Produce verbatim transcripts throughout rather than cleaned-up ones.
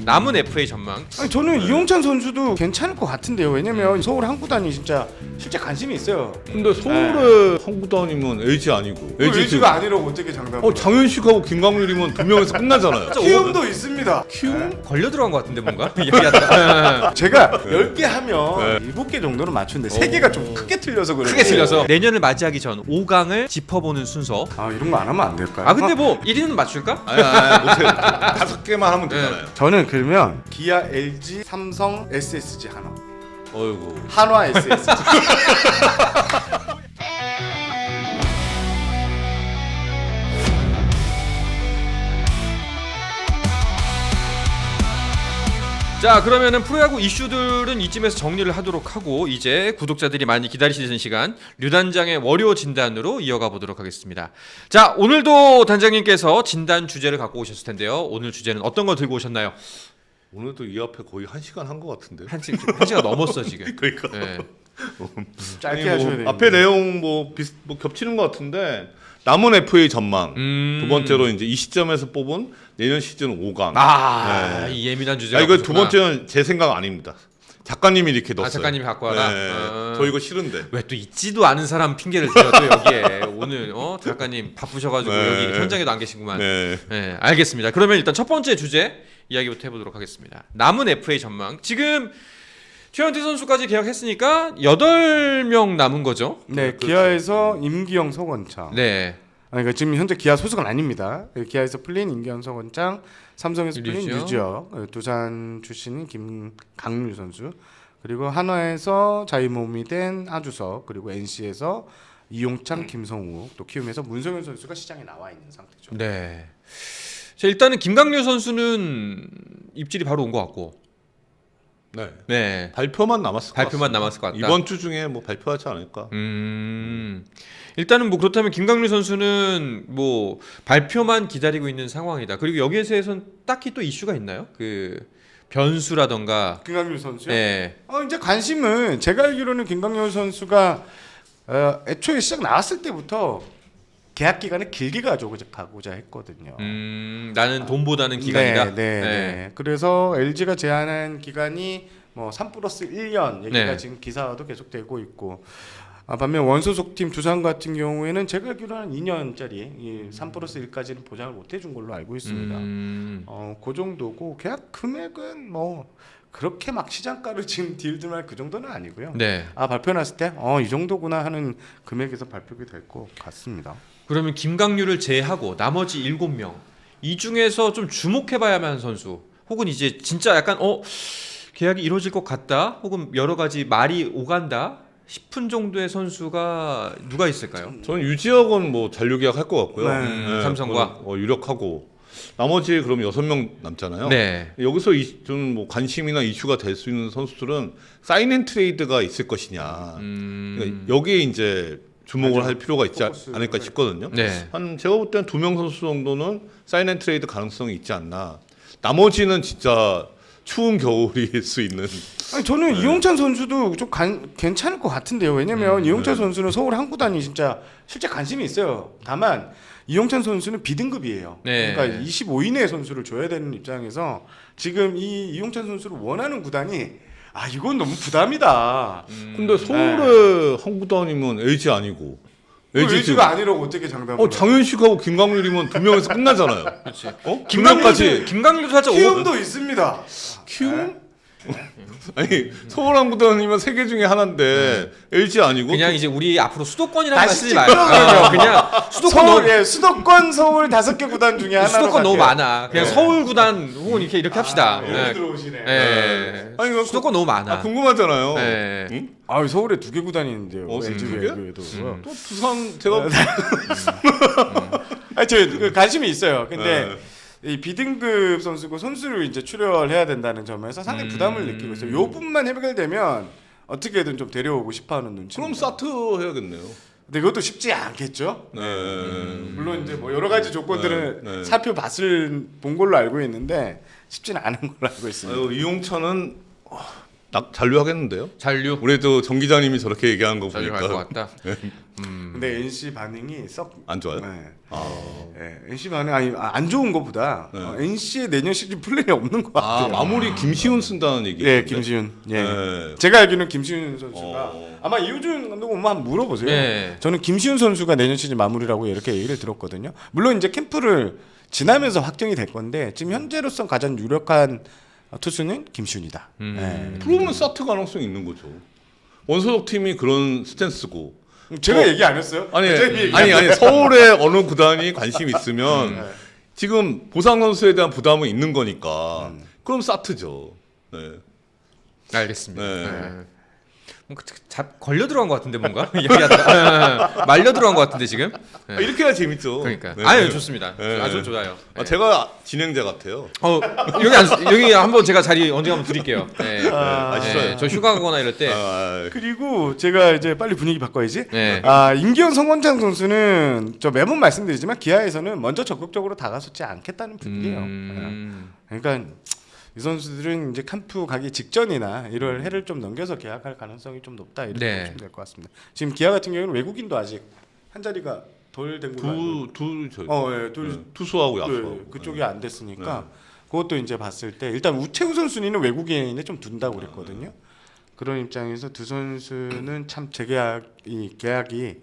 남은 에프에이 전망. 아니 저는 네. 이용찬 선수도 괜찮을 것 같은데요. 왜냐면 서울 한 구단이 진짜 실제 관심이 있어요. 근데 서울의 한 구단이면 엘지 아니고 엘지가 지금- 아니라고 어떻게 장담을? 어 장현식하고 김광률이면 두 명에서 끝나잖아요. 키움도 있습니다. 키움? 걸려 들어간 것 같은데 뭔가 얘기하다가 제가 열 개 하면 일곱 개 정도는 맞추는데 세 개가 좀 크게 틀려서 그래요. 크게 틀려서 내년을 맞이하기 전 오 강을 짚어보는 순서. 아 이런 거 안 하면 안 될까요? 아 근데 뭐 일 위는 맞출까? 아니 아니 못해. 다섯 개만 하면 되잖아요. 저는 그러면 기아, 엘지, 삼성, 에스에스지 한화. 어이구. 한화 에스에스지. 자 그러면은 프로야구 이슈들은 이쯤에서 정리를 하도록 하고 이제 구독자들이 많이 기다리시는 시간 류단장의 월요 진단으로 이어가 보도록 하겠습니다. 자 오늘도 단장님께서 진단 주제를 갖고 오셨을 텐데요. 오늘 주제는 어떤 거 들고 오셨나요? 오늘도 이 앞에 거의 한 시간 한 것 같은데. 한, 시, 한 시간 넘었어 지금. 그러니까. 네. 짧게 아니, 하셔야 뭐 돼요. 앞에 내용 뭐 비슷 뭐 겹치는 것 같은데 남은 에프에이 전망. 음. 두 번째로 이제 이 시점에서 뽑은 내년 시즌 오 강. 아, 네. 이 예민한 주제가. 아 이거 두 없었구나. 번째는 제 생각 아닙니다. 작가님이 이렇게 넣었어요. 아 작가님이 갖고 와라. 네. 어. 저 이거 싫은데. 왜 또 있지도 않은 사람 핑계를 대요 또 여기에. 오늘 어 작가님 바쁘셔가지고 네. 여기 현장에도 안 계시구만. 네. 네, 알겠습니다. 그러면 일단 첫 번째 주제 이야기부터 해보도록 하겠습니다. 남은 에프에이 전망. 지금 최현태 선수까지 계약했으니까 여덟 명 남은 거죠? 네, 기아에서 임기영, 서건창. 네. 아니, 그러니까 지금 현재 기아 소속은 아닙니다. 기아에서 풀린 임기영, 서건창, 삼성에서 풀린 류지혁. 류지혁, 두산 출신인 김강률 선수, 그리고 한화에서 자유몸이 된 하주석, 그리고 엔씨에서 이용찬, 김성우, 또 키움에서 문성현 선수가 시장에 나와 있는 상태죠. 네. 자, 일단은 김강률 선수는 입질이 바로 온 것 같고. 네. 네. 발표만 남았을 것 발표만 같습니다. 남았을 것 같다. 이번 주 중에 뭐 발표하지 않을까. 음. 일단은 뭐 그렇다면 김강률 선수는 뭐 발표만 기다리고 있는 상황이다. 그리고 여기에 대해서는 딱히 또 이슈가 있나요? 그 변수라던가. 김강률 선수요? 네. 어, 이제 관심은 제가 알기로는 김강률 선수가 어, 애초에 시작 나왔을 때부터 계약 기간을 길게 가져가고자 했거든요. 음, 나는 돈보다는 기간이다. 네, 네, 네. 그래서 엘지가 제안한 기간이 뭐 삼 플러스 일 년 얘기가 네. 지금 기사도 계속되고 있고. 아, 반면 원소속팀 두산 같은 경우에는 제가 알기로는 이 년짜리 이 삼 플러스 일까지는 보장을 못 해준 걸로 알고 있습니다. 음. 어, 그 정도고 계약 금액은 뭐 그렇게 막 시장가를 지금 딜들만 그 정도는 아니고요. 네. 아 발표 났을 때 어 이 정도구나 하는 금액에서 발표가 될 것 같습니다. 그러면 김강률을 제외하고 나머지 일곱 명 이 중에서 좀 주목해봐야만 하는 선수 혹은 이제 진짜 약간 어 계약이 이루어질 것 같다 혹은 여러 가지 말이 오간다 싶은 정도의 선수가 누가 있을까요? 저는 유지혁은 뭐 잔류 계약할 것 같고요. 네. 음, 삼성과? 그건, 어, 유력하고 나머지 그럼 여섯 명 남잖아요. 네. 여기서 좀뭐 관심이나 이슈가 될 수 있는 선수들은 사인앤트레이드가 있을 것이냐. 음. 그러니까 여기에 이제 주목을 맞아요. 할 필요가 있지 포커스가 않을까 싶거든요. 네. 한 제가 볼 때는 두 명 선수 정도는 사인앤트레이드 가능성이 있지 않나. 나머지는 진짜 추운 겨울일 수 있는. 아니 저는 이용찬 선수도 좀 간, 괜찮을 것 같은데요. 왜냐면 음, 이용찬 네. 선수는 서울 한 구단이 진짜 실제 관심이 있어요. 다만 이용찬 선수는 B등급이에요. 네. 그러니까 이십오 이내의 선수를 줘야 되는 입장에서 지금 이 이용찬 선수를 원하는 구단이 아 이건 너무 부담이다. 근데 서울의 한 구단이면 엘지 아니고. 엘지가 지금- 아니라고 어떻게 장담을? 어 장현식하고 김광률이면 두 명에서 끝나잖아요. 그렇지. 어? 두 김강률도 명까지 김강률도 살짝 오. 키움도 있습니다. 키움? 아니 서울 한 구단이면 세 개 중에 하나인데 엘지 아니고 그냥 이제 우리 앞으로 수도권이라는 말 다시 쓰지 말고 찝어버려. 어, 그냥 수도권 서울 너무 예, 수도권 서울 다섯 개 구단 중에 하나로 수도권 너무 갈게요. 많아. 그냥 네. 서울 구단 혹은 이렇게 이렇게 합시다. 아, 네. 여기 들어오시네. 네. 아니, 이거 수도권 너무 많아. 아, 궁금하잖아요. 네. 응? 아 서울에 두 개 구단이 있는데요. 어, 엘지 두 개? 외에도. 음. 또 두산 제가 아, 저 그 관심이 있어요. 근데 네. 이 B등급 선수고 선수를 이제 출혈해야 된다는 점에서 상당히 음. 부담을 느끼고 있어요. 요 부분만 해결되면 어떻게든 좀 데려오고 싶어하는 눈치. 그럼 사트 해야겠네요. 근데 그것도 쉽지 않겠죠. 네. 물론 이제 뭐 여러 가지 조건들을 네, 네. 살펴봤을 본 걸로 알고 있는데 쉽지는 않은 걸로 알고 있습니다. 아유, 이용찬은 어, 나, 잔류하겠는데요? 잔류. 우리도 정 기자님이 저렇게 얘기하는 거 잔류 갈것 보니까 같다. 음. 근데 엔씨 반응이 썩 안 좋아요? 네. 아, 네, 엔씨 반응 아니 아, 안 좋은 것보다 네. 어, 엔씨의 내년 시즌 플랜이 없는 것 아 같아요. 마무리 김시훈 쓴다는 얘기. 네, 김시훈. 예. 네. 제가 알기로는 김시훈 선수가 어. 아마 이호준 감독 오면 한번 물어보세요. 네. 저는 김시훈 선수가 내년 시즌 마무리라고 이렇게 얘기를 들었거든요. 물론 이제 캠프를 지나면서 확정이 될 건데 지금 현재로선 가장 유력한 투수는 김시훈이다. 음. 네. 그러면 사트 가능성이 있는 거죠. 원소속 팀이 그런 스탠스고. 제가 어. 얘기 안 했어요? 아니 대장님이 얘기 아니 안 아니 서울의 어느 구단이 관심 있으면 네. 지금 보상 선수에 대한 부담은 있는 거니까 음. 그럼 사트죠. 네. 알겠습니다. 네. 네. 뭔가 잡 걸려 들어간 것 같은데 뭔가 얘기하다가 네. 말려 들어간 것 같은데 지금. 네. 아, 이렇게 해야 재밌죠. 그러니까. 네. 아유 좋습니다. 네. 아주 좋아요. 아, 네. 제가 진행자 같아요. 어 여기 안, 여기 한번 제가 자리 언제 한번 드릴게요. 네. 아, 아시죠? 저 휴가 가거나 이럴 때. 아, 그리고 제가 이제 빨리 분위기 바꿔야지. 네. 아 임기현 성원창 선수는 저 매번 말씀드리지만 기아에서는 먼저 적극적으로 다가서지 않겠다는 분위기예요. 음. 네. 그러니까 이 선수들은 이제 캠프 가기 직전이나 일월 해를 좀 넘겨서 계약할 가능성이 좀 높다 이렇게 네. 보시면 될 것 같습니다. 지금 기아 같은 경우는 외국인도 아직 한 자리가 덜 된 걸로 알고 두두 저 어, 예, 둘, 네. 투수하고 네, 야수하고 그쪽이 안 됐으니까 그것도 이제 봤을 때 일단 우채우 선수는 외국인에 좀 둔다고 그랬거든요. 그런 입장에서 두 선수는 참 재계약이 계약이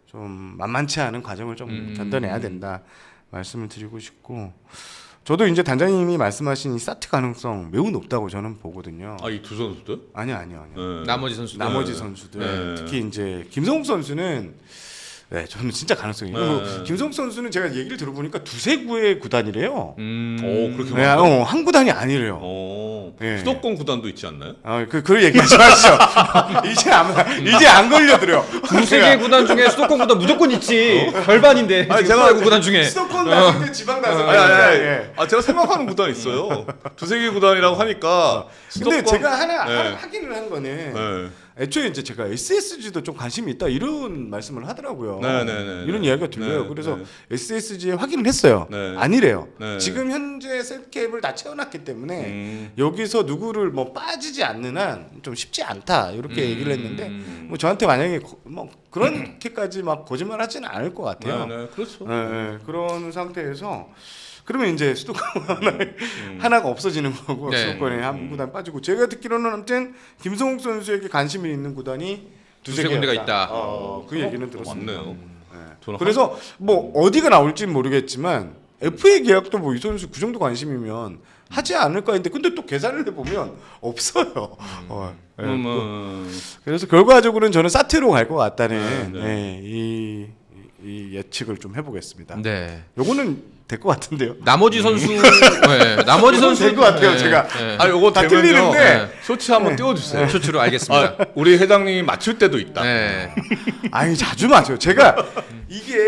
좀 만만치 않은 과정을 좀 음. 견뎌내야 된다 말씀을 드리고 싶고 저도 이제 단장님이 말씀하신 이 사트 가능성 매우 높다고 저는 보거든요. 아이 두 선수들? 아니요, 아니요, 아니요. 네. 나머지 선수들. 나머지 네. 선수들 네. 특히 이제 김성욱 선수는 네, 저는 진짜 가능성이 있고 네. 김성욱 선수는 제가 얘기를 들어보니까 두세 구의 구단이래요. 음. 오, 그렇게 네, 많아요? 어, 한 구단이 아니래요. 어. 네. 수도권 구단도 있지 않나요? 어, 그, 그 얘기하지 마시죠. 이제 안, 이제 안 걸려들어요. 두세 개 구단 중에 수도권 구단 무조건 있지. 절반인데. 아니, 지금 제가 프로야구 구단 중에. 수도권 나설 때 지방 나설 아니, 아니, 아니. 예. 아 제가 생각하는 구단 있어요. 두세 개 구단이라고 하니까 근데 수도권- 제가 하나 네. 하- 확인을 한 거는 네. 애초에 이제 제가 에스에스지도 좀 관심이 있다 이런 말씀을 하더라고요. 네, 네, 네, 이런 네. 이야기가 들려요. 네, 그래서 네. 에스에스지에 확인을 했어요. 네. 아니래요. 네. 지금 현재 셀캡을 다 채워놨기 때문에 음. 여기서 누구를 뭐 빠지지 않는 한 좀 쉽지 않다 이렇게 음. 얘기를 했는데 뭐 저한테 만약에 거- 뭐 그렇게까지 막 거짓말 하지는 않을 것 같아요. 네, 네, 그렇죠. 네, 네. 그런 상태에서 그러면 이제 수도권 하나에 음. 하나가 없어지는 거고 네. 수도권에 한 구단 빠지고 제가 듣기로는 아무튼 김성욱 선수에게 관심이 있는 구단이 두세 두세 군데가 개였다. 있다. 어, 그 얘기는 들었습니다. 맞네요. 네. 저는 그래서 뭐 어디가 나올지는 모르겠지만 에프에이 계약도 뭐 이 선수 그 정도 관심이면 하지 않을까 했는데 근데 또 계산을 해보면 없어요. 어, 네. 음, 음, 그래서 결과적으로는 저는 사트로 갈 것 같다는 네, 네. 네, 이, 이 예측을 좀 해보겠습니다. 네. 요거는 될 것 같은데요. 나머지 선수. 네. 나머지 선수 될것 같아요, 네. 제가. 네. 아 요거 다 되면요. 틀리는데. 네. 쇼츠 한번 네. 띄워주세요. 쇼츠로 알겠습니다. 아, 우리 회장님이 맞출 때도 있다. 네. 아니 자주 맞아요. 제가 이게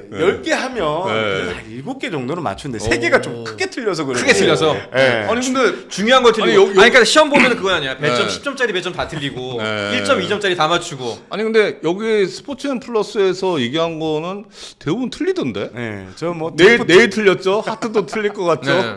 열 개 하면 네. 한 일곱 개 정도는 맞추는데 세 개가 좀 크게 틀려서 그래요. 크게 틀려서. 네. 아니 근데 중요한 걸 틀리고. 아니, 여- 여- 아니 그러니까 시험 보면 그거 아니야. 배점 네. 십 점짜리 배점 다 틀리고 네. 일 점, 이 점짜리 다 맞추고. 아니 근데 여기 스포츠앤 플러스에서 얘기한 거는 대부분 틀리던데. 네, 저뭐 내일 내일 틀렸죠? 하트도 틀릴 것 같죠? 네.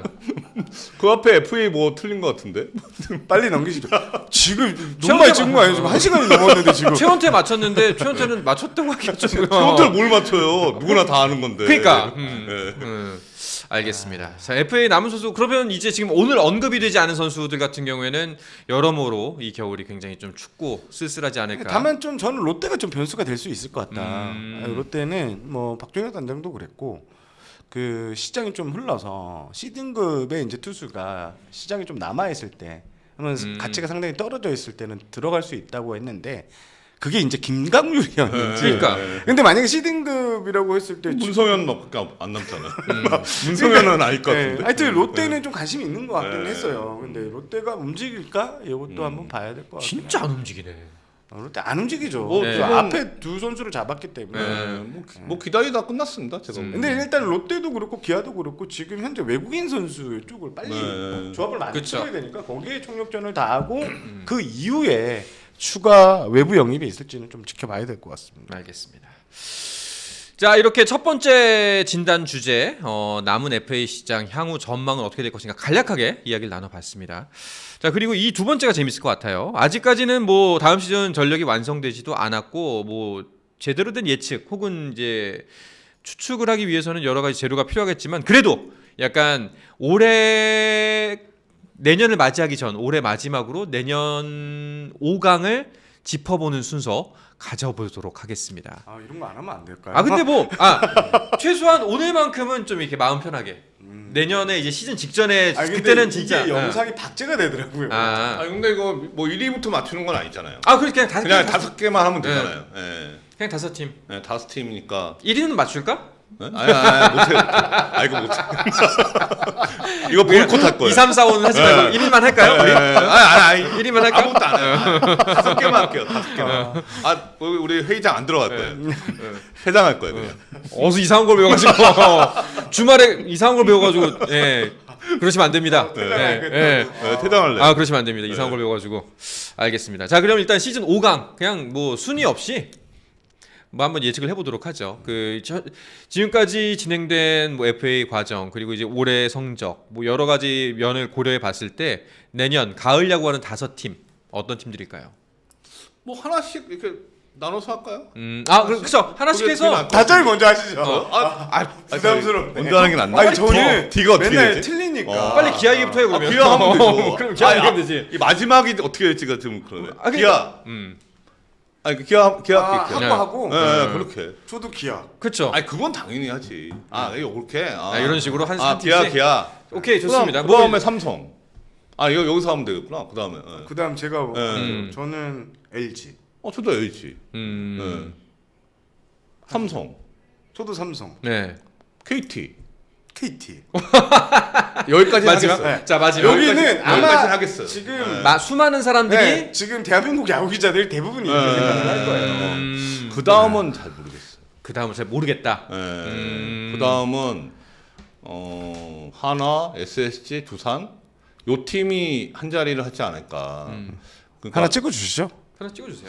그 앞에 에프에이 뭐 틀린 것 같은데? 빨리 넘기시죠. 지금 너무 많이 찍은 거 아니에요? 지금 한 시간이 넘었는데 지금. 최원태 맞췄는데 최원태는 맞췄다고 하기가 좀. 트로트를 뭘 맞춰요? 누구나 다 아는 건데. 그러니까. 음. 네. 음, 알겠습니다. 자, 에프에이 남은 선수 그러면 이제 지금 오늘 언급이 되지 않은 선수들 같은 경우에는 여러모로 이 겨울이 굉장히 좀 춥고 쓸쓸하지 않을까. 다만 좀 저는 롯데가 좀 변수가 될 수 있을 것 같다. 음. 아니, 롯데는 뭐 박종혁 단장도 그랬고 그 시장이 좀 흘러서 C등급의 이제 투수가 시장이 좀 남아 있을 때, 그러면 음. 가치가 상당히 떨어져 있을 때는 들어갈 수 있다고 했는데 그게 이제 김강률이었는지. 그러니까. 근데 만약에 C등급이라고 했을 때 문성현밖에 안 남잖아. 문성현은 아닐 것 네, 같은데. 하여튼 롯데는 좀 관심이 있는 것 같긴 네. 했어요. 근데 롯데가 움직일까? 이것도 한번 봐야 될 것 같아요. 진짜 안 움직이네. 롯데 안 움직이죠. 뭐, 그 네. 앞에 두 선수를 잡았기 때문에. 네, 뭐, 기- 뭐 기다리다 끝났습니다. 제가. 음. 근데 일단 롯데도 그렇고 기아도 그렇고 지금 현재 외국인 선수 쪽을 빨리 네. 조합을 많이 그쵸. 쳐야 되니까 거기에 총력전을 다하고 그 이후에 추가 외부 영입이 있을지는 좀 지켜봐야 될 것 같습니다. 알겠습니다. 자, 이렇게 첫 번째 진단 주제, 어, 남은 에프에이 시장 향후 전망은 어떻게 될 것인가 간략하게 이야기를 나눠봤습니다. 자, 그리고 이 두 번째가 재밌을 것 같아요. 아직까지는 뭐 다음 시즌 전력이 완성되지도 않았고, 뭐 제대로 된 예측 혹은 이제 추측을 하기 위해서는 여러 가지 재료가 필요하겠지만, 그래도 약간 올해 내년을 맞이하기 전 올해 마지막으로 내년 오 강을 짚어보는 순서 가져보도록 하겠습니다. 아 이런 거 안 하면 안 될까요? 아 근데 뭐 아 최소한 오늘만큼은 좀 이렇게 마음 편하게 음. 내년에 이제 시즌 직전에 아니, 근데 그때는 진짜 이게 영상이 박제가 되더라고요. 아, 아 근데 이거 뭐 일 위부터 맞추는 건 아니잖아요. 아 그렇게 그냥 다섯 그냥 팀, 다섯 개만 하면 되잖아요. 예. 그냥 다섯 팀 네, 다섯 팀이니까. 일 위는 맞출까? 네? 아니, 아니, 못해. 아, 이거 못해. 이거 보이콧 할 거예요. 이, 삼, 사, 오는 하지 말고 일 위만 할까요? 우리? 아니, 아니, 아니. 일 위만 할까? 아무것도 안 해요. 다섯 개만 할게요. 다섯 개만. 아, 우리 회의장 안 들어갈 거예요. 회장할 거예요, 그냥. 어서 이상한 걸 배워가지고 주말에 이상한 걸 배워가지고 예 그러시면 안 됩니다. 예, 예. 네, 퇴장할래. 아 그러시면 안 됩니다. 이상한 걸 배워가지고 알겠습니다. 자 그럼 일단 시즌 오 강 그냥 뭐 순위 없이 뭐 한번 예측을 해보도록 하죠. 그 저, 지금까지 진행된 뭐 에프에이 과정 그리고 이제 올해 성적 뭐 여러 가지 면을 고려해 봤을 때 내년 가을 야구하는 다섯 팀 어떤 팀들일까요? 뭐 하나씩 이렇게 나눠서 할까요? 음, 아 그렇죠. 하나씩 그게 해서 그게 다들 먼저 하시죠. 어, 아, 아, 부담스럽네. 먼저 하는 게 낫나? 아니 저는 D가 어떻게 맨날 되지? 틀리니까. 어. 빨리 기아 얘기부터 해 그러면. 아, 기아 하면 되죠. 그럼 기아 아니, 얘기하면 아, 되지. 이 마지막이 어떻게 될지가 좀 그러네. 아, 그러니까- 기아. 음, 아니 그 기아 기아 아, 할게요. 네. 하고 하고. 예, 예, 그렇게. 저도 기아. 그렇죠. 아니 그건 당연히 하지. 아 이거 이렇게. 아, 아, 이런 식으로 한 아 한 기아 팀씩? 기아. 오케이 좋습니다. 그 뭐 다음에 삼성. 아 이거 여기서 하면 되겠구나. 그 다음에. 예. 그다음 제가 음. 저는 엘지. 어 저도 엘지. 음, 예. 삼성. 저도 삼성. 네. 케이티. 케이티. 여기까지 마지막. 하겠어요. 네. 자 마지막. 여기는 여기까지- 아마 여기까지는 하겠어요. 지금 네. 마, 수많은 사람들이 네, 지금 대한민국 야구 기자들 대부분이 이렇게 네. 생각을 할 거예요. 음, 그 다음은 잘 모르겠어요. 그 다음은 잘 모르겠다. 예. 음. 그 다음은 어, 하나, 에스에스지, 두산 요 팀이 한 자리를 하지 않을까. 음. 그러니까 하나 찍어 주시죠. 하나 찍어주세요.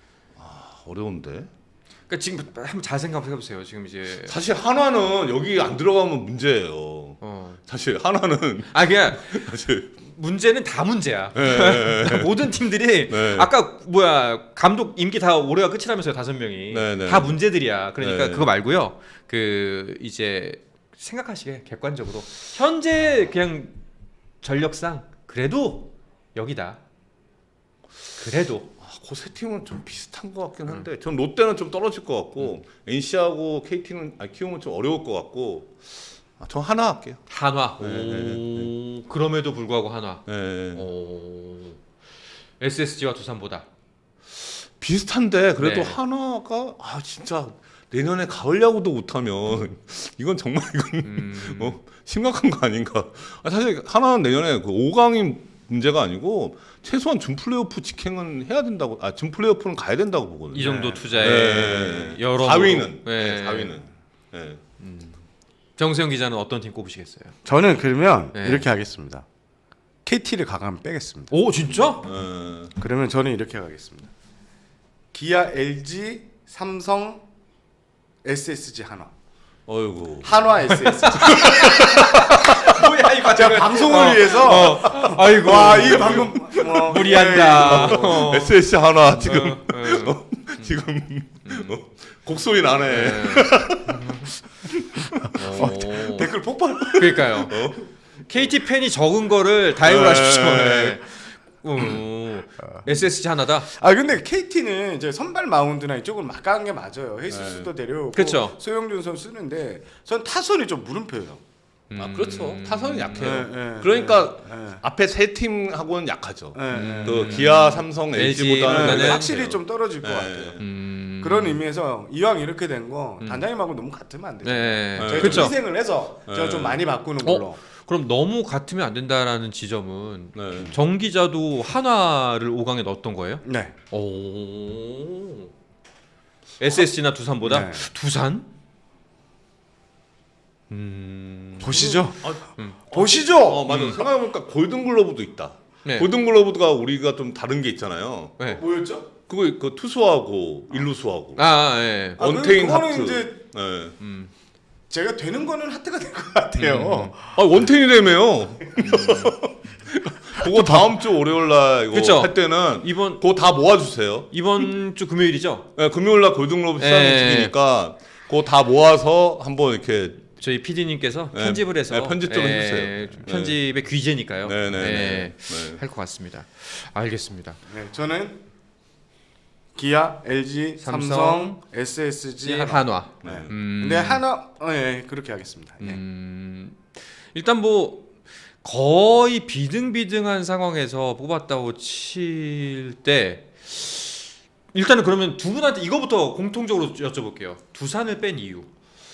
어려운데. 그러니까 지금 한번 잘 생각해 보세요. 지금 이제 사실 한화는 여기 안 들어가면 문제예요. 어. 사실 한화는 아 그냥 사실 문제는 다 문제야. 네, 모든 팀들이 네. 아까 뭐야 감독 임기 다 올해가 끝이라면서요 다섯 명이 네, 네. 다 문제들이야. 그러니까 네. 그거 말고요. 그 이제 생각하시게 객관적으로 현재 그냥 전력상 그래도 여기다. 그래도 그 세 팀은 좀 비슷한 것 같긴 한데 전 롯데는 좀 떨어질 것 같고 엔씨하고 케이티는 아, 키우면 좀 어려울 것 같고 아, 저 하나 할게요. 한화. 네, 오, 그럼에도 불구하고 한화. 네. 오, 에스에스지와 두산보다. 비슷한데 그래도 네. 하나가 아 진짜 내년에 가을 야구도 못하면 이건 정말 이건 음. 어, 심각한 거 아닌가. 아, 사실 하나는 내년에 그 오 강이 문제가 아니고 최소한 준 플레이오프 직행은 해야 된다고. 아, 준 플레이오프는 가야 된다고 보거든요. 이 정도 네. 투자에 네. 여러 사 위는 네. 네. 사 위는 네. 정세영 기자는 어떤 팀 꼽으시겠어요? 저는 그러면 네. 이렇게 하겠습니다. 케이티를 가감 빼겠습니다. 오 진짜? 네. 그러면 저는 이렇게 가겠습니다. 기아, 엘지, 삼성, 에스에스지 한화. 어이구. 한화 에스에스지. 뭐야 이거 제가 방송을 위해서 아이고 와, 이 방금 뭐, 무리한다. 예, 어. 에스에스지 하나 지금 어, 어. 어, 지금 어, 곡소리 나네. 네. 오. 이거 댓글 폭발. 그러니까요. 케이티 팬이 적은 거를 다이브를 네. 하십시오. 네. 오. 에스에스지 하나다. 아 근데 케이티는 이제 선발 마운드나 이쪽은 막강한 게 맞아요. 헤이스도 데려오고 그쵸. 소영준 선수 쓰는데 전 타선이 좀 물음표예요. 아 그렇죠. 타선은 약해요. 네, 네, 그러니까 네, 네. 앞에 세 팀하고는 약하죠. 네, 네, 그 네. 기아, 삼성, 엘지 엘지보다는 보다는 확실히 좀 떨어질 것 네. 같아요. 음. 그런 의미에서 이왕 이렇게 된 거 음. 단장님하고 너무 같으면 안 되죠. 네. 저희 좀 그렇죠. 희생을 해서 제가 네. 좀 많이 바꾸는 걸로. 그럼 너무 같으면 안 된다라는 지점은 네. 정 기자도 한화를 오 강에 넣었던 거예요? 네. 오. 에스에스지나 두산보다 네. 두산? 음. 보시죠. 아, 보시죠. 어 맞아. 생각해보니까 골든글러브도 있다. 네. 골든글러브가 우리가 좀 다른 게 있잖아요. 네. 뭐였죠? 그거 그 투수하고 일루수하고 아, 예. 아, 그- 언테인 그거는 하트. 이제 네. 음. 제가 되는 거는 하트가 될 것 같아요. 아 원텐이라며요. 그거 다음 주 월요일 날 이거 그쵸? 할 때는 이번 그거 다 모아주세요. 이번 주 금요일이죠? 네, 금요일 날 골든글로브 시상이 예. 중이니까 그거 다 모아서 한번 이렇게 저희 피디님께서 네, 편집을 해서 네, 편집 좀 예, 해주세요. 편집의 귀재니까요. 네, 네, 예, 네. 네. 할 것 같습니다. 알겠습니다. 네, 저는 기아, 엘지, 삼성, 삼성, 에스에스지, 한화. 한화. 네. 음. 근데 한화, 어, 예, 그렇게 하겠습니다. 예. 음, 일단 뭐 거의 비등비등한 상황에서 뽑았다고 칠 때 일단은 그러면 두 분한테 이거부터 공통적으로 여쭤볼게요. 두산을 뺀 이유.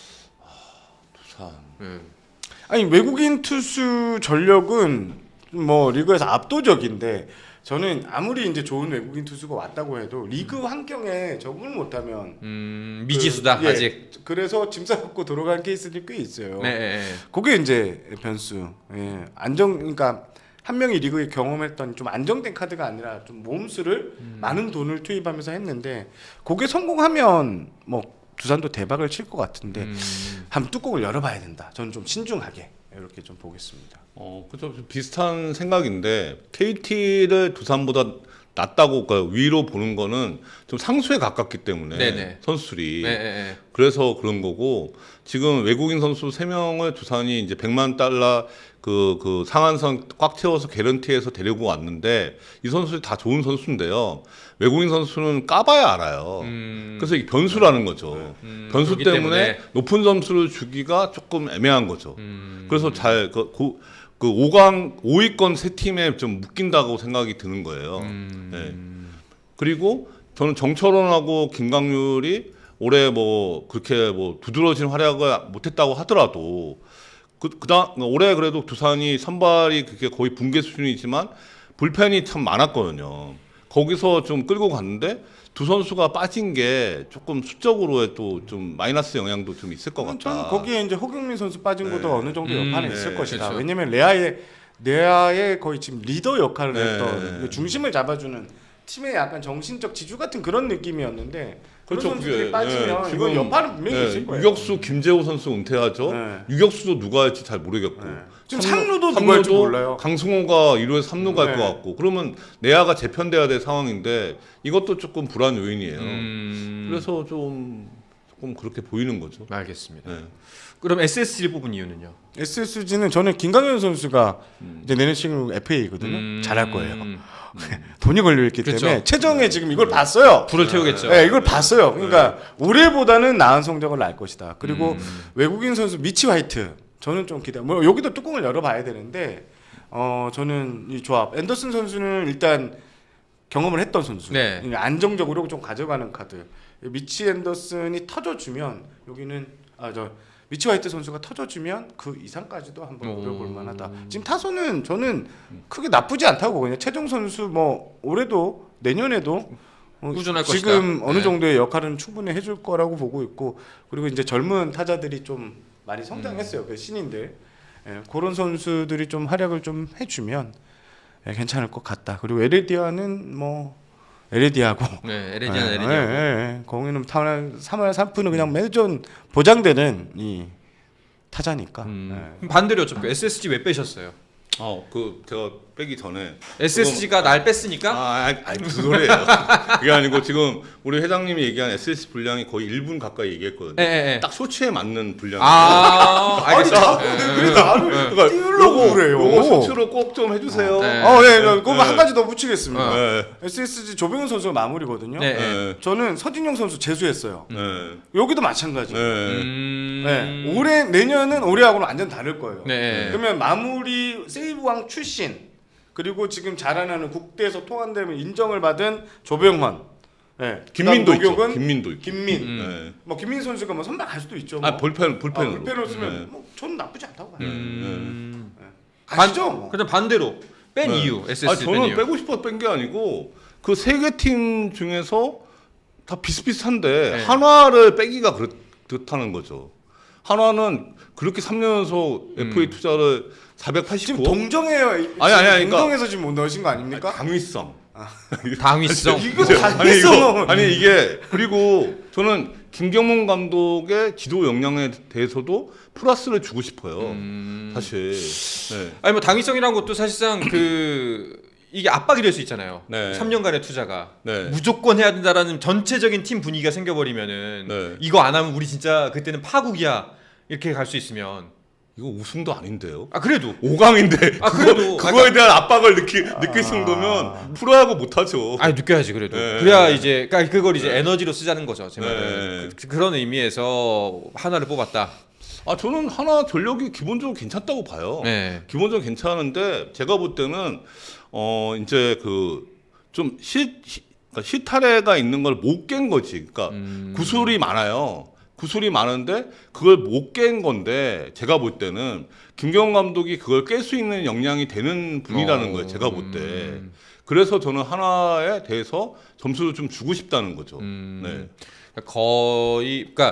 두산. 음. 아니 외국인 투수 전력은 뭐 리그에서 압도적인데 저는 아무리 이제 좋은 외국인 투수가 왔다고 해도 리그 환경에 적응을 못하면 음, 미지수다 그, 예, 아직. 그래서 짐 싸갖고 돌아간 케이스들이 꽤 있어요. 네, 네, 네. 그게 이제 변수. 예. 안정 그러니까 한 명이 리그에 경험했던 좀 안정된 카드가 아니라 좀 모험수를 음. 많은 돈을 투입하면서 했는데 그게 성공하면 뭐 두산도 대박을 칠 것 같은데 음. 한번 뚜껑을 열어봐야 된다. 저는 좀 신중하게 이렇게 좀 보겠습니다. 어, 그죠. 좀 비슷한 생각인데 케이티를 두산보다 낫다고 그러니까 위로 보는 거는 좀 상수에 가깝기 때문에 네네. 선수들이 네, 네, 네. 그래서 그런 거고 지금 외국인 선수 세 명을 두산이 이제 백만 달러 그, 그 상한선 꽉 채워서 개런티해서 데리고 왔는데 이 선수들이 다 좋은 선수인데요. 외국인 선수는 까봐야 알아요. 음. 그래서 이게 변수라는 거죠. 음, 변수 그렇기 때문에, 때문에. 높은 점수를 주기가 조금 애매한 거죠. 음. 그래서 잘 그, 고, 그 오 강 오 위권 세 팀에 좀 묶인다고 생각이 드는 거예요. 음. 네. 그리고 저는 정철원하고 김강률이 올해 뭐 그렇게 뭐 두드러진 활약을 못했다고 하더라도 그 그다음 올해 그래도 두산이 선발이 그게 거의 붕괴 수준이지만 불펜이 참 많았거든요. 거기서 좀 끌고 갔는데 두 선수가 빠진 게 조금 수적으로 또 좀 마이너스 영향도 좀 있을 것 같다. 저는 거기에 이제 허경민 선수 빠진 네. 것도 어느 정도 여파는 음, 있을 네, 것이다. 그렇죠. 왜냐면 레아의 레아의 거의 지금 리더 역할을 네. 했던 중심을 잡아주는 팀의 약간 정신적 지주 같은 그런 느낌이었는데 그런 그렇죠, 선수들이 그게. 빠지면 네, 이건 지금, 여파는 분명히 네, 있을 거예요. 유격수 김재호 선수 은퇴하죠. 네. 유격수도 누가 할지 잘 모르겠고. 네. 지금 상루도 누가 할지 몰라요. 강승호가 일 루에서 삼 루 갈 것 네. 같고. 그러면 내야가 재편돼야 될 상황인데 이것도 조금 불안 요인이에요. 음. 그래서 좀 조금 그렇게 보이는 거죠. 알겠습니다. 네. 그럼 에스에스지를 뽑은 이유는요? 에스에스지는 저는 김강현 선수가 음. 이제 내년 시즌 에프에이거든요. 음. 잘할 거예요. 돈이 걸려 있기 그렇죠. 때문에 최정에 지금 이걸 봤어요. 불을 태우겠죠. 네, 이걸 봤어요. 그러니까 올해보다는 나은 성적을 낼 것이다. 그리고 음. 외국인 선수 미치 화이트 저는 좀 기대. 뭐 여기도 뚜껑을 열어봐야 되는데 어 저는 이 조합 앤더슨 선수는 일단 경험을 했던 선수. 네. 안정적으로 좀 가져가는 카드. 미치 앤더슨이 터져주면 여기는 아 저 미치 화이트 선수가 터져주면 그 이상까지도 한번 오. 노려볼 만하다. 지금 타선은 저는 크게 나쁘지 않다고 그냥 최종 선수 뭐 올해도 내년에도 어, 꾸준할 지금 것이다. 어느 네. 정도의 역할은 충분히 해줄 거라고 보고 있고 그리고 이제 젊은 타자들이 좀 많이 성장했어요. 그 신인들 예, 그런 선수들이 좀 활약을 좀 해주면 예, 괜찮을 것 같다. 그리고 에레디아는 뭐 에레디아고 네, 에레디안 예, 에레디안. 예, 예. 거기는 삼 할 삼 푼은 그냥 매전 보장되는 이 타자니까. 음. 예. 그럼 반대로 여쭤볼게요. 에스에스지 왜 빼셨어요? 아, 그 제가 빼기 전에 에스에스지가 날 뺐으니까? 아, 아니, 아니 그 소리예요. 그게 아니고 지금 우리 회장님이 얘기한 에스에스지 분량이 거의 일 분 가까이 얘기했거든요. 예, 예, 예. 딱 쇼츠에 맞는 분량. 아, 알겠습니다. 아니, 자꾸 그래 나를 그러니까 띄우려고 요거, 그래요. 요거 쇼츠로 꼭 좀 해주세요. 네. 어, 예, 예. 그거 네. 한 가지 더 붙이겠습니다. 네. 에스에스지 조병훈 선수가 마무리거든요. 네. 네. 저는 서진용 선수 재수했어요. 네. 여기도 마찬가지. 네. 음... 네. 올해 내년은 올해하고는 완전 다를 거예요. 네. 그러면 마무리 세이브왕 출신 그리고 지금 자라나는 국대에서 통한되면 인정을 받은 조병헌, 네. 김민도 그다음 있죠. 노격은 김민도 있고. 김민. 음. 네. 뭐 김민 선수가 뭐 선발 갈 수도 있죠. 뭐. 아 불펜 불펜으로. 아, 불펜으로 쓰면 네. 뭐 저는 나쁘지 않다고 봐요. 음... 아시죠? 뭐. 그다음 반대로 뺀 네. 이유, 아 에스에스지 뺀 저는 이유. 빼고 싶어 뺀 게 아니고 그 세 개 팀 중에서 다 비슷비슷한데 네. 한화를 빼기가 그렇, 그렇다는 거죠. 한화는 그렇게 삼 년 연속 음. 에프에이 투자를 사백팔십구. 지금 동정해요. 아니, 아니, 아니, 그러니까- 동정해서 지금 못 넣으신 거 아닙니까? 강위성. 당위성. 이거 아니 당위성. 이거 아니 이게 그리고 저는 김경문 감독의 지도 역량에 대해서도 플러스를 주고 싶어요. 음. 사실. 네. 아니 뭐 당위성이라는 것도 사실상 그 이게 압박이 될 수 있잖아요. 네. 삼 년간의 투자가 네. 무조건 해야 된다라는 전체적인 팀 분위기가 생겨버리면은 네. 이거 안 하면 우리 진짜 그때는 파국이야 이렇게 갈 수 있으면 이거 우승도 아닌데요. 아 그래도 오 강인데 아, 그거, 그래도. 그거에 대한 압박을 느끼, 느낄 정도면 프로야구 못하죠. 아니 느껴야지 그래도 네. 그래야 이제 그러니까 그걸 이제 에너지로 쓰자는 거죠. 제 말은 네. 그, 그런 의미에서 하나를 뽑았다. 아 저는 하나 전력이 기본적으로 괜찮다고 봐요. 네. 기본적으로 괜찮은데 제가 볼 때는 어 이제 그 좀 시, 시, 그러니까 실타래가 있는 걸 못 깬 거지. 그러니까 음. 구술이 많아요. 구술이 많은데 그걸 못 깬 건데 제가 볼 때는 김경원 감독이 그걸 깰 수 있는 역량이 되는 분이라는 어. 거예요. 제가 볼 때. 음. 그래서 저는 하나에 대해서 점수를 좀 주고 싶다는 거죠. 음. 네. 그러니까 거의 그러니까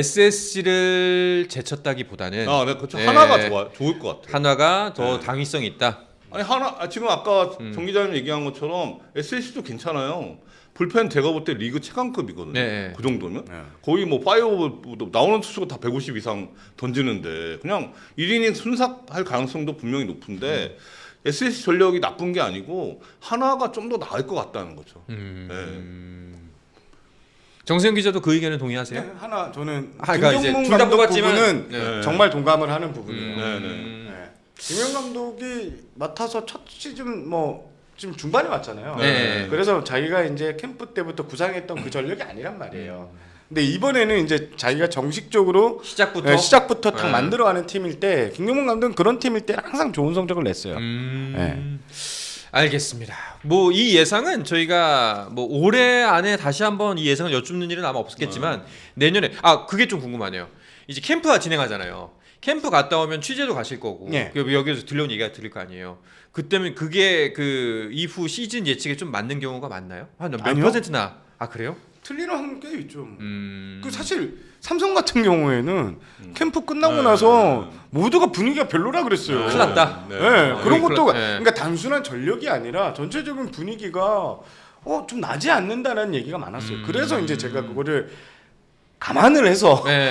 에스에스지를 제쳤다기보다는 아, 네, 그렇죠. 네. 하나가 좋아, 좋을 것 같아요. 한화가 더 네. 당위성이 있다. 아니 하나 아, 지금 아까 음. 정 기자님 얘기한 것처럼 에스에스도 괜찮아요. 불펜 제가 볼 때 리그 최강급이거든요. 네. 그 정도면 네. 거의 뭐 파이어볼 나오는 투수가 다 백오십 이상 던지는데 그냥 일 이닝 순삭할 가능성도 분명히 높은데 음. 에스에스지 전력이 나쁜 게 아니고 하나가 좀 더 나을 것 같다는 거죠. 음. 정세영 기자도 그 의견에 동의하세요? 네, 하나 저는 아, 그러니까 이제 김경문 둘다 감독 뽑았지만 부분은 네. 정말 동감을 하는 부분이에요. 음. 네, 네. 네. 김경 감독이 맡아서 첫 시즌 뭐 지금 중반에 왔잖아요. 네. 그래서 자기가 이제 캠프 때부터 구상했던 그 전력이 아니란 말이에요. 근데 이번에는 이제 자기가 정식적으로 시작부터 네, 시작부터 탁 네. 만들어가는 팀일 때 김경문 감독은 그런 팀일 때 항상 좋은 성적을 냈어요. 음. 네. 알겠습니다. 뭐 이 예상은 저희가 뭐 올해 안에 다시 한번 이 예상을 여쭙는 일은 아마 없겠지만 내년에 아 그게 좀 궁금하네요. 이제 캠프가 진행하잖아요. 캠프 갔다 오면 취재도 가실 거고 네. 그 여기서 들려온 얘기가 들릴 거 아니에요. 그때면 그게 그 이후 시즌 예측에 좀 맞는 경우가 많나요? 한 몇 아니요. 퍼센트나? 아 그래요? 틀리는 한게 있죠. 음. 그 사실 삼성 같은 경우에는 캠프 끝나고 네. 나서 모두가 분위기가 별로라 그랬어요. 큰일 났다. 네, 네. 그런 어, 것도 그렇- 네. 그러니까 단순한 전력이 아니라 전체적인 분위기가 어, 좀 나지 않는다는 얘기가 많았어요. 음. 그래서 이제 제가 그거를 감안을 해서 네.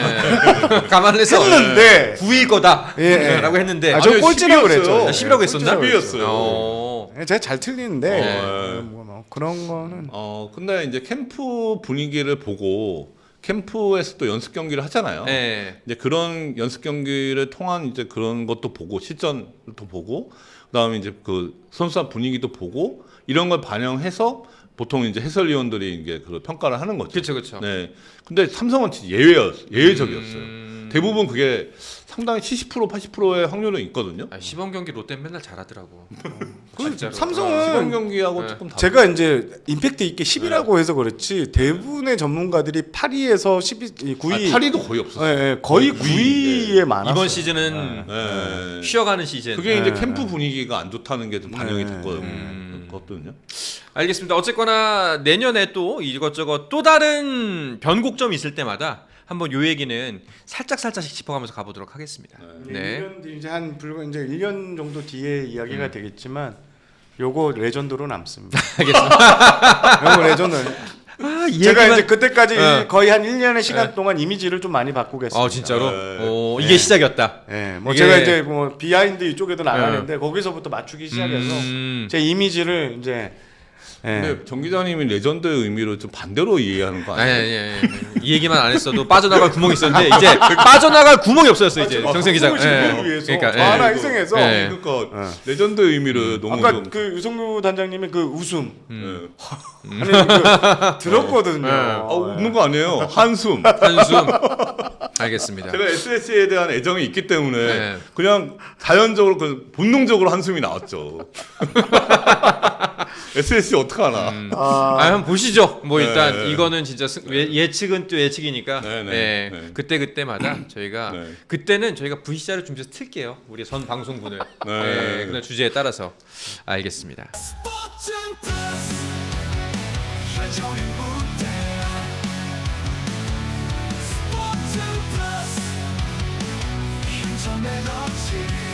감안해서 했는데 구일 거다. 예, 예. 라고 했는데 아, 저 아니, 꼴찌라고 십이었어요. 그랬죠. 아, 십이라고 했었나? 십이였어요. 어. 예, 제가 잘 틀리는데 네. 어, 뭐, 뭐 그런 거는 어 근데 이제 캠프 분위기를 보고 캠프에서 또 연습 경기를 하잖아요. 네. 이제 그런 연습 경기를 통한 이제 그런 것도 보고 실전도 보고 그다음에 이제 그 선수단 분위기도 보고 이런 걸 반영해서 보통 이제 해설위원들이 이게 그 평가를 하는 거죠. 그렇죠, 그렇죠. 네. 근데 삼성은 진짜 예외였 예외적이었어요. 음. 대부분 그게 상당히 칠십 퍼센트 팔십 퍼센트의 확률은 있거든요. 아, 시범 경기 롯데 맨날 잘하더라고. 그 진짜로. 삼성은 시범 경기하고 네. 조금 다르. 제가 이제 임팩트 있게 십이라고 해서 그렇지 대부분의 전문가들이 팔 위에서 십이, 구 위, 아, 팔 위도 거의 없었어요. 예, 예, 거의 거의 구 위에 많았어요. 이번 시즌은 네. 쉬어가는 시즌. 그게 이제 네. 캠프 분위기가 안 좋다는 게 좀 반영이 네. 됐거든요. 음. 그것도요. 알겠습니다. 어쨌거나 내년에 또 이것저것 또 다른 변곡점이 있을 때마다 한번 요 얘기는 살짝 살짝씩 짚어가면서 가보도록 하겠습니다. 네. 네. 일 년 뒤 이제 한 불과 이제 일 년 정도 뒤에 이야기가 되겠지만 요거 레전드로 남습니다. 알겠습니다. 요거 레전드. 아, 이 제가 얘기만- 이제 그때까지 네. 거의 한 일 년의 시간 네. 동안 이미지를 좀 많이 바꾸겠습니다. 아 진짜로? 네. 오, 네. 이게 시작이었다. 예, 뭐 이게- 제가 이제 뭐 비하인드 이쪽에도 나가는데 거기서부터 맞추기 시작해서 음. 제 이미지를 이제 예. 근데 정 기자님이 레전드의 의미로 좀 반대로 이해하는 거 아니, 아니에요? 아니, 아니, 아니. 이 얘기만 안 했어도 빠져나갈 구멍이 있었는데 이제 빠져나갈 구멍이 없어졌어 이제 아, 정세 기자. 를 위해서 그러니까 저 예. 하나 희생해서 예. 그러니까 예. 레전드의 의미를 너무 아까 좀 그 유성규 단장님의 그 웃음 예. 아니 그 들었거든요. 예. 아, 웃는 거 아니에요. 한숨. 한숨. 알겠습니다. 제가 에스에스에 대한 애정이 있기 때문에 네. 그냥 자연적으로 그 본능적으로 한숨이 나왔죠. 에스에스지 어떡하나. 음. 아, 아, 한번 보시죠. 뭐 일단 네. 이거는 진짜 승- 예- 예측은 또 예측이니까 네, 네, 네, 네. 그때 그때마다 저희가 네. 그때는 저희가 브이씨알을 준비해서 틀게요. 우리 전 방송분을 네. 네, 그날 주제에 따라서 알겠습니다. 스포츠 플러스 최종의 무대 스포츠 플러스 인터넷 없이